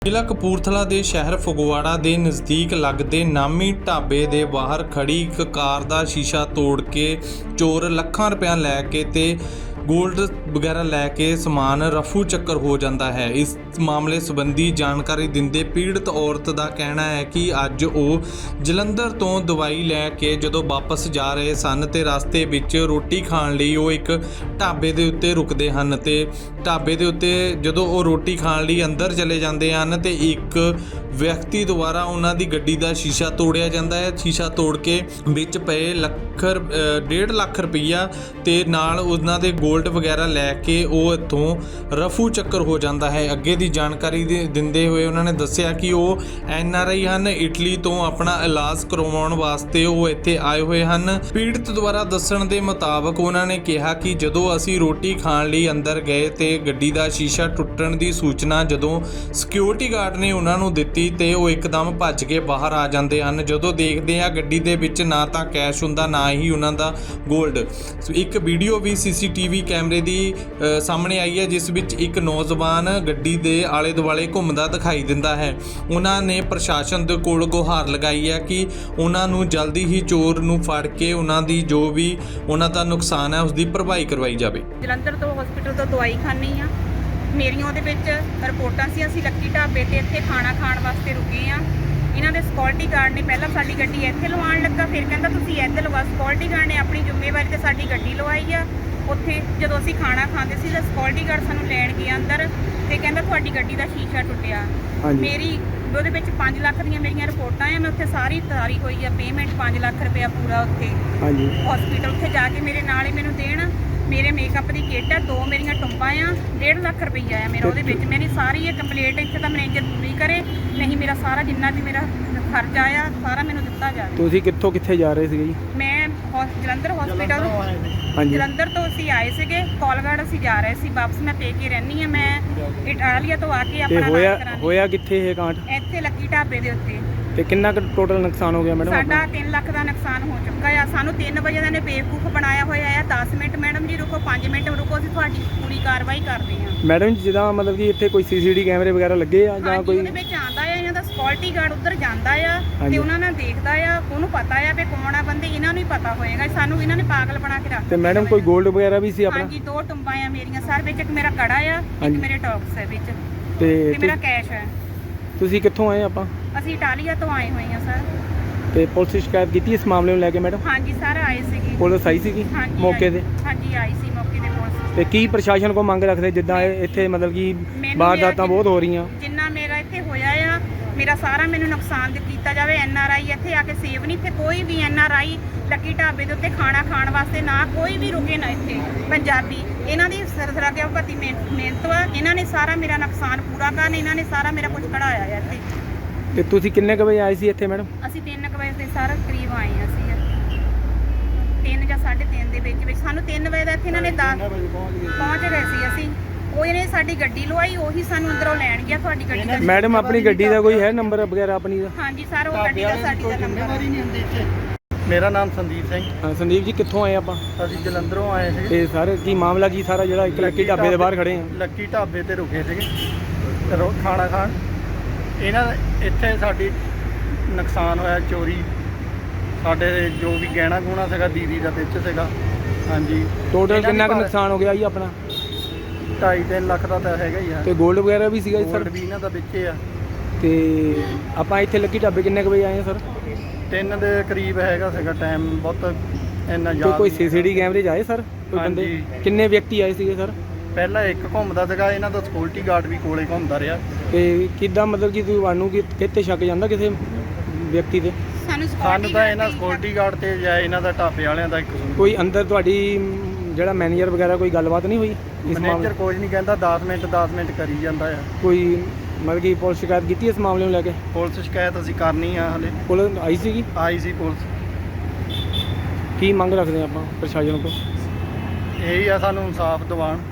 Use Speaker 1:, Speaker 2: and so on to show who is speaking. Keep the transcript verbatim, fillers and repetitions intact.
Speaker 1: ਜ਼ਿਲ੍ਹਾ ਕਪੂਰਥਲਾ ਦੇ ਸ਼ਹਿਰ ਫਗਵਾੜਾ ਦੇ ਨਜ਼ਦੀਕ ਲੱਗਦੇ ਨਾਮੀ ਢਾਬੇ ਦੇ ਬਾਹਰ ਖੜੀ ਇੱਕ ਕਾਰ ਦਾ ਸ਼ੀਸ਼ਾ ਤੋੜ ਕੇ ਚੋਰ ਲੱਖਾਂ ਰੁਪਇਆ ਲੈ ਕੇ ਤੇ ਗੋਲਡ ਵਗੈਰਾ ਲੈ ਕੇ ਸਮਾਨ ਰਫੂ ਚੱਕਰ ਹੋ ਜਾਂਦਾ ਹੈ। ਇਸ ਮਾਮਲੇ ਸੰਬੰਧੀ ਜਾਣਕਾਰੀ ਦਿੰਦੇ ਪੀੜਤ ਔਰਤ ਦਾ ਕਹਿਣਾ ਹੈ ਕਿ ਅੱਜ ਉਹ ਜਲੰਧਰ ਤੋਂ ਦਵਾਈ ਲੈ ਕੇ ਜਦੋਂ ਵਾਪਸ ਜਾ ਰਹੇ ਸਨ ਤੇ ਰਸਤੇ ਵਿੱਚ ਰੋਟੀ ਖਾਣ ਲਈ ਉਹ ਇੱਕ ਢਾਬੇ ਦੇ ਉੱਤੇ ਰੁਕਦੇ ਹਨ ਤੇ ਢਾਬੇ ਦੇ ਉੱਤੇ ਜਦੋਂ ਉਹ ਰੋਟੀ ਖਾਣ ਲਈ ਅੰਦਰ ਚਲੇ ਜਾਂਦੇ ਹਨ ਤੇ ਇੱਕ ਵਿਅਕਤੀ ਦੁਆਰਾ ਉਹਨਾਂ ਦੀ ਗੱਡੀ ਦਾ ਸ਼ੀਸ਼ਾ ਤੋੜਿਆ ਜਾਂਦਾ ਹੈ। ਸ਼ੀਸ਼ਾ ਤੋੜ ਕੇ ਵਿੱਚ ਪਏ ਲੱਖ ਡੇਢ ਲੱਖ ਰੁਪਈਆ ਤੇ ਨਾਲ ਉਹਨਾਂ ਦੇ ਗੋਲਡ ਵਗੈਰਾ ਲੈ ਕੇ ਉਹ ਇੱਥੋਂ ਰਫੂ ਚੱਕਰ ਹੋ ਜਾਂਦਾ ਹੈ। ਅੱਗੇ ਦੀ ਜਾਣਕਾਰੀ ਦੇ ਦਿੰਦੇ ਹੋਏ ਉਹਨਾਂ ਨੇ ਦੱਸਿਆ ਕਿ ਉਹ ਐਨ ਆਰ ਆਈ ਹਨ, ਇਟਲੀ ਤੋਂ ਆਪਣਾ ਇਲਾਜ ਕਰਵਾਉਣ ਵਾਸਤੇ ਉਹ ਇੱਥੇ ਆਏ ਹੋਏ ਹਨ। ਪੀੜਤ ਦੁਆਰਾ ਦੱਸਣ ਦੇ ਮੁਤਾਬਕ ਉਹਨਾਂ ਨੇ ਕਿਹਾ ਕਿ ਜਦੋਂ ਅਸੀਂ ਰੋਟੀ ਖਾਣ ਲਈ ਅੰਦਰ ਗਏ ਤੇ ਗੱਡੀ ਦਾ ਸ਼ੀਸ਼ਾ ਟੁੱਟਣ ਦੀ ਸੂਚਨਾ ਜਦੋਂ ਸਿਕਿਉਰਿਟੀ ਗਾਰਡ ਨੇ ਉਹਨਾਂ ਨੂੰ ਦਿੱਤੀ ਤੇ ਉਹ ਇੱਕਦਮ ਭੱਜ ਕੇ ਬਾਹਰ ਆ ਜਾਂਦੇ ਹਨ। ਜਦੋਂ ਦੇਖਦੇ ਆ ਗੱਡੀ ਦੇ ਵਿੱਚ ਨਾ ਤਾਂ ਕੈਸ਼ ਹੁੰਦਾ ਨਾ ਹੀ ਉਹਨਾਂ ਦਾ ਗੋਲਡ। ਇੱਕ ਵੀਡੀਓ ਵੀ ਸੀ ਸੀ ਟੀ ਵੀ ਕੈਮਰੇ ਦੀ ਸਾਹਮਣੇ ਆਈ ਹੈ ਜਿਸ ਵਿੱਚ ਇੱਕ ਨੌਜਵਾਨ ਗੱਡੀ ਦੇ ਆਲੇ ਦੁਆਲੇ ਘੁੰਮਦਾ ਦਿਖਾਈ ਦਿੰਦਾ ਹੈ। ਉਹਨਾਂ ਨੇ ਪ੍ਰਸ਼ਾਸਨ ਦੇ ਕੋਲ ਗੁਹਾਰ ਲਗਾਈ ਹੈ ਕਿ ਉਹਨਾਂ ਨੂੰ ਜਲਦੀ ਹੀ ਚੋਰ ਨੂੰ ਫੜ ਕੇ ਉਹਨਾਂ ਦੀ ਜੋ ਵੀ ਉਹਨਾਂ ਦਾ ਨੁਕਸਾਨ ਹੈ ਉਸ ਦੀ ਭਰਪਾਈ ਕਰਵਾਈ ਜਾਵੇ।
Speaker 2: ਜਲੰਧਰ ਤੋਂ ਹਸਪੀਟਲ ਤੋਂ ਦਵਾਈ ਖਾਣੀ ਆ, ਮੇਰੀਆਂ ਉਹਦੇ ਵਿੱਚ ਰਿਪੋਰਟਾਂ ਸੀ। ਅਸੀਂ ਲੱਕੀ ਢਾਬੇ ਤੇ ਇੱਥੇ ਖਾਣਾ ਖਾਣ ਵਾਸਤੇ ਰੁਕੇ ਆ। ਇਹਨਾਂ ਦੇ ਸਿਕਿਉਰਿਟੀ ਗਾਰਡ ਨੇ ਪਹਿਲਾਂ ਸਾਡੀ ਗੱਡੀ ਇੱਥੇ ਲਵਾਉਣ ਲੱਗਾ, ਫਿਰ ਕਹਿੰਦਾ ਤੁਸੀਂ ਇੱਧਰ ਲਵਾ। ਸਿਕਿਉਰਿਟੀ ਗਾਰਡ ਨੇ ਆਪਣੀ ਜ਼ਿੰਮੇਵਾਰੀ ਤੇ ਸਾਡੀ ਗੱਡੀ ਲਵਾਈ ਆ। ਉੱਥੇ ਜਦੋਂ ਅਸੀਂ ਖਾਣਾ ਖਾਂਦੇ ਸੀ ਤਾਂ ਸਿਕਿਉਰਿਟੀ ਗਾਰਡ ਸਾਨੂੰ ਲੈਣ ਗਿਆ ਅੰਦਰ ਤੇ ਕਹਿੰਦਾ ਤੁਹਾਡੀ ਗੱਡੀ ਦਾ ਸ਼ੀਸ਼ਾ ਟੁੱਟਿਆ। ਮੇਰੀ ਉਹਦੇ ਵਿੱਚ ਪੰਜ ਲੱਖ ਦੀਆਂ ਮੇਰੀਆਂ ਰਿਪੋਰਟਾਂ ਆ। ਮੈਂ ਉੱਥੇ ਸਾਰੀ ਤਾਰੀ ਹੋਈ ਆ ਪੇਮੈਂਟ ਪੰਜ ਲੱਖ ਰੁਪਇਆ ਪੂਰਾ ਉੱਥੇ ਹਸਪੀਟਲ ਉੱਥੇ ਜਾ ਕੇ ਮੇਰੇ ਨਾਲ ਹੀ ਮੈਨੂੰ ਦੇਣ। ਮੇਰੇ ਮੇਕਅਪ ਦੀ ਕਿੱਟ ਆ, ਦੋ ਮੇਰੀਆਂ ਟੁੰਬਾਂ ਆ, ਡੇਢ ਲੱਖ ਰੁਪਈਆ ਆ ਮੇਰਾ ਉਹਦੇ ਵਿੱਚ। ਮੇਰੀ ਸਾਰੀ ਇਹ ਕੰਪਲੀਟ ਇੱਥੇ ਤਾਂ ਮੈਨੇਜਰ ਪੂਰੀ ਕਰੇ, ਨਹੀਂ ਮੇਰਾ ਸਾਰਾ ਜਿੰਨਾ ਵੀ ਮੇਰਾ ਖਰਚਾ ਆ ਸਾਰਾ ਮੈਨੂੰ ਦਿੱਤਾ ਜਾਵੇ।
Speaker 3: ਤੁਸੀਂ ਕਿੱਥੋਂ ਕਿੱਥੇ ਜਾ ਰਹੇ ਸੀਗੇ ਜੀ?
Speaker 2: ਮੈਂ ਜਲੰਧਰ ਹਸਪੀਟਲ ਜਲੰਧਰ ਤੋਂ ਅਸੀਂ ਆਏ ਸੀਗੇ, ਕੋਲਗੜ ਅਸੀਂ ਜਾ ਰਹੇ ਸੀ ਵਾਪਸ। ਮੈਂ ਪੇਕੇ ਰਹਿੰਦੀ ਆ, ਮੈਂ ਇਟਾਲੀਆ ਤੋਂ ਆ ਕੇ ਆਪਣਾ
Speaker 3: ਹੋਇਆ ਹੋਇਆ ਕਿੱਥੇ ਇਹ ਕਾਂਡ?
Speaker 2: ਇੱਥੇ ਲੱਕੀ ਢਾਬੇ ਦੇ ਉੱਤੇ।
Speaker 3: ਤੇ ਕਿੰਨਾ ਕੁ ਟੋਟਲ ਨੁਕਸਾਨ ਹੋ ਗਿਆ ਮੈਡਮ?
Speaker 2: ਸਾਡਾ ਤਿੰਨ ਲੱਖ ਦਾ ਨੁਕਸਾਨ ਹੋ ਚੁੱਕਾ ਆ। ਸਾਨੂੰ ਤਿੰਨ ਵਜੇ ਦਾ ਨੇ ਬੇਵਕੂਫ ਬਣਾਇਆ ਹੋਇਆ ਆ। ਦਸ ਮਿੰਟ ਮੈਡਮ ਜੀ ਰੁਕੋ, ਪੰਜ ਮਿੰਟ ਰੁਕੋ, ਅਸੀਂ ਤੁਹਾਡੀ ਪੂਰੀ ਕਾਰਵਾਈ ਕਰਦੇ ਹਾਂ।
Speaker 3: ਮੈਡਮ ਜਿੱਦਾਂ ਮਤਲਬ ਕਿ ਇੱਥੇ ਕੋਈ ਸੀ ਸੀ ਟੀ ਵੀ ਕੈਮਰੇ ਵਗੈਰਾ ਲੱਗੇ ਆ ਜਾਂ ਕੋਈ?
Speaker 2: ਉਹਦੇ ਵਿੱਚ ਆਂਦਾ ਆ, ਇਹਨਾਂ ਦਾ ਸਿਕਿਉਰਿਟੀ ਗਾਰਡ ਉੱਧਰ ਜਾਂਦਾ ਆ ਤੇ ਉਹਨਾਂ ਨਾਲ ਦੇਖਦਾ ਆ, ਉਹਨੂੰ ਪਤਾ ਆ ਵੀ ਕੌਣ ਆ ਬੰਦੇ, ਇਹਨਾਂ ਨੂੰ ਹੀ ਪਤਾ ਹੋਏਗਾ। ਸਾਨੂੰ ਇਹਨਾਂ ਨੇ ਪਾਗਲ ਬਣਾ ਕੇ ਰੱਖ
Speaker 3: ਤੇ ਮੈਡਮ ਕੋਈ ਗੋਲਡ ਵਗੈਰਾ ਵੀ ਸੀ ਆਪਣਾ?
Speaker 2: ਹਾਂਜੀ, ਦੋ ਟੁੰਬਾਂ ਆ ਮੇਰੀਆਂ ਸਰ, ਵਿੱਚ ਇੱਕ ਮੇਰਾ ਕੜਾ ਆ, ਇੱਕ ਮੇਰੇ ਟੌਪਸ ਹੈ ਵਿੱਚ
Speaker 3: ਤੇ
Speaker 2: ਮੇਰਾ ਕੈਸ਼ ਹੈ।
Speaker 3: ਤੁਸੀਂ ਕਿੱਥੋਂ ਆਏ? ਆਪਾਂ
Speaker 2: ਅਸੀਂ ਇਟਾਲੀਆ ਤੋਂ ਆਏ ਹੋਏ ਆ ਸਰ।
Speaker 3: ਤੇ ਪੁਲਿਸ ਸ਼ਿਕਾਇਤ ਕੀਤੀ ਇਸ ਮਾਮਲੇ ਨੂੰ ਲੈ ਕੇ ਮੈਡਮ?
Speaker 2: ਹਾਂਜੀ ਸਰ, ਆਏ ਸੀਗੇ।
Speaker 3: ਪੁਲਿਸ ਆਈ ਸੀਗੀ ਮੌਕੇ ਤੇ?
Speaker 2: ਹਾਂਜੀ ਆਈ ਸੀ ਮੌਕੇ ਤੇ ਪੁਲਿਸ।
Speaker 3: ਤੇ ਕੀ ਪ੍ਰਸ਼ਾਸਨ ਕੋ ਮੰਗ ਰੱਖਦੇ ਜਿੱਦਾਂ ਇੱਥੇ ਮਤਲਬ ਕਿ ਵਾਰਦਾਤਾਂ ਬਹੁਤ ਹੋ ਰਹੀਆਂ?
Speaker 2: ਜਿੰਨਾ ਮੇਰਾ ਇੱਥੇ ਹੋਇਆ ਆ ਮੇਰਾ ਸਾਰਾ ਮੈਨੂੰ ਨੁਕਸਾਨ ਕੀਤਾ ਜਾਵੇ। ਐਨ ਆਰ ਆਈ ਇੱਥੇ ਆ ਕੇ ਸੇਵ ਨਹੀਂ, ਇੱਥੇ ਕੋਈ ਵੀ ਐਨ ਆਰ ਆਈ ਲੱਕੀ ਢਾਬੇ ਦੇ ਉੱਤੇ ਖਾਣਾ ਖਾਣ ਵਾਸਤੇ ਨਾ ਕੋਈ ਵੀ ਰੁਕੇ ਨਾ ਇੱਥੇ। ਪੰਜਾਬੀ ਇਹਨਾਂ ਦੀ ਸਰਸਰਾਗਿਆ ਭਤੀ ਮਿਹਨਤ ਵਾ, ਇਹਨਾਂ ਨੇ ਸਾਰਾ ਮੇਰਾ ਨੁਕਸਾਨ ਪੂਰਾ ਕਰਨ, ਇਹਨਾਂ ਨੇ ਸਾਰਾ ਮੇਰਾ ਕੁਝ ਕਢਾਇਆ ਆ ਇੱਥੇ।
Speaker 3: ਤੇ ਤੁਸੀਂ ਕਿੰਨੇ ਕੁ ਵਜੇ ਆਏ ਸੀ ਇੱਥੇ ਮੈਡਮ?
Speaker 2: ਅਸੀਂ ਤਿੰਨ ਕੁ ਵਜੇ ਦੇ ਸਾਰਾ ਕਰੀਬ ਆਏ ਹਾਂ ਅਸੀਂ, ਤਿੰਨ ਜਾਂ ਸਾਢੇ ਤਿੰਨ ਦੇ ਵਿੱਚ ਵਿੱਚ। ਸਾਨੂੰ ਤਿੰਨ ਵਜੇ ਦਾ ਇੱਥੇ ਇਹਨਾਂ ਨੇ ਦਸ ਪਹੁੰਚ ਗਏ ਸੀ ਅਸੀਂ। ਉਹ ਇਹਨੇ ਸਾਡੀ ਗੱਡੀ ਲਵਾਈ, ਉਹੀ ਸਾਨੂੰ ਅੰਦਰੋਂ ਲੈਣ ਗਿਆ। ਤੁਹਾਡੀ ਗੱਡੀ ਦਾ
Speaker 3: ਮੈਡਮ ਆਪਣੀ ਗੱਡੀ ਦਾ ਕੋਈ ਹੈ ਨੰਬਰ ਵਗੈਰਾ ਆਪਣੀ ਦਾ?
Speaker 2: ਹਾਂਜੀ ਸਰ, ਉਹ ਗੱਡੀ ਦਾ ਸਾਡੀ ਦਾ ਨੰਬਰ।
Speaker 4: ਮੇਰਾ ਨਾਮ ਸੰਦੀਪ ਸਿੰਘ।
Speaker 3: ਹਾਂ ਸੰਦੀਪ ਜੀ, ਕਿੱਥੋਂ ਆਏ ਆਪਾਂ?
Speaker 4: ਅਸੀਂ ਜਲੰਧਰੋਂ ਆਏ ਸੀ।
Speaker 3: ਤੇ ਸਰ ਕੀ ਮਾਮਲਾ ਕੀ ਸਾਰਾ ਜਿਹੜਾ ਇੱਕ ਲੱਕੀ ਢਾਬੇ ਦੇ ਬਾਹਰ ਖੜੇ ਆ?
Speaker 4: ਲੱਕੀ ਢਾਬੇ ਤੇ ਰੁਕੇ ਸੀਗੇ ਰੋ ਖਾਣਾ ਖਾਣ। ਇਹਨਾਂ ਇੱਥੇ ਸਾਡੀ ਨੁਕਸਾਨ ਹੋਇਆ, ਚੋਰੀ। ਸਾਡੇ ਜੋ ਵੀ ਗਹਿਣਾ ਗੁਣਾ ਸੀਗਾ ਦੀਦੀ ਦਾ ਵਿੱਚ ਸੀਗਾ। ਹਾਂਜੀ,
Speaker 3: ਟੋਟਲ ਕਿੰਨਾ ਕੁ ਨੁਕਸਾਨ ਹੋ ਗਿਆ ਜੀ ਆਪਣਾ?
Speaker 4: ਢਾਈ ਤਿੰਨ ਲੱਖ ਦਾ ਤਾਂ ਹੈਗਾ ਹੀ ਆ।
Speaker 3: ਤੇ ਗੋਲਡ ਵਗੈਰਾ ਵੀ ਸੀਗਾ ਜੀ ਸਰ?
Speaker 4: ਵੀ ਇਹਨਾਂ ਦਾ ਵਿੱਚ ਆ।
Speaker 3: ਤੇ ਆਪਾਂ ਇੱਥੇ ਲੱਕੀ ਢਾਬੇ ਕਿੰਨੇ ਕੁ ਵਜੇ ਆਏ ਆ ਸਰ?
Speaker 4: ਤਿੰਨ ਦੇ ਕਰੀਬ ਹੈਗਾ ਸੀਗਾ ਟਾਈਮ, ਬਹੁਤ ਇੰਨਾ ਯਾਦ।
Speaker 3: ਕੋਈ ਸੀ ਸੀ ਟੀ ਕੈਮਰੇ 'ਚ ਆਏ ਸਰ ਕੋਈ ਬੰਦੇ? ਕਿੰਨੇ ਵਿਅਕਤੀ ਆਏ ਸੀਗੇ ਸਰ?
Speaker 4: ਪਹਿਲਾਂ ਇੱਕ ਘੁੰਮਦਾ ਸੀਗਾ, ਇਹਨਾਂ ਦਾ ਸਿਕਿਉਰਿਟੀ ਗਾਰਡ ਵੀ ਕੋਲੇ ਘੁੰਮਦਾ ਰਿਹਾ।
Speaker 3: ਤੇ ਕਿੱਦਾਂ ਮਤਲਬ ਕਿ ਤੁਹਾਨੂੰ ਕਿਤੇ ਸ਼ੱਕ ਜਾਂਦਾ ਕਿਸੇ ਵਿਅਕਤੀ ਤੇ?
Speaker 4: ਸਾਨੂੰ ਤਾਂ ਇਹਨਾਂ ਸਿਕਿਉਰਿਟੀ ਗਾਰਡ ਤੇ ਜਾਂ ਇਹਨਾਂ ਦਾ ਢਾਬੇ ਵਾਲਿਆਂ ਦਾ ਇੱਕ
Speaker 3: ਕੋਈ ਅੰਦਰ ਤੁਹਾਡੀ ਜਿਹੜਾ ਮੈਨੇਜਰ ਵਗੈਰਾ ਕੋਈ ਗੱਲਬਾਤ ਨਹੀਂ ਹੋਈ?
Speaker 4: ਮੈਨੇਜਰ ਕੁਝ ਨਹੀਂ ਕਹਿੰਦਾ, ਦਸ ਮਿੰਟ ਦਸ ਮਿੰਟ ਕਰੀ ਜਾਂਦਾ ਆ।
Speaker 3: ਕੋਈ ਮਤਲਬ ਕਿ ਪੁਲਿਸ ਸ਼ਿਕਾਇਤ ਕੀਤੀ ਇਸ ਮਾਮਲੇ ਨੂੰ ਲੈ ਕੇ?
Speaker 4: ਪੁਲਿਸ ਸ਼ਿਕਾਇਤ ਅਸੀਂ ਕਰਨੀ ਆ, ਹਲੇ
Speaker 3: ਪੁਲਿਸ ਆਈ ਸੀਗੀ?
Speaker 4: ਆਈ ਸੀ ਪੁਲਿਸ।
Speaker 3: ਕੀ ਮੰਗ ਰੱਖਦੇ ਆਪਾਂ ਪ੍ਰਸ਼ਾਸਨ ਕੋਲ?
Speaker 4: ਇਹੀ ਆ, ਸਾਨੂੰ ਇਨਸਾਫ ਦਿਵਾਉਣ।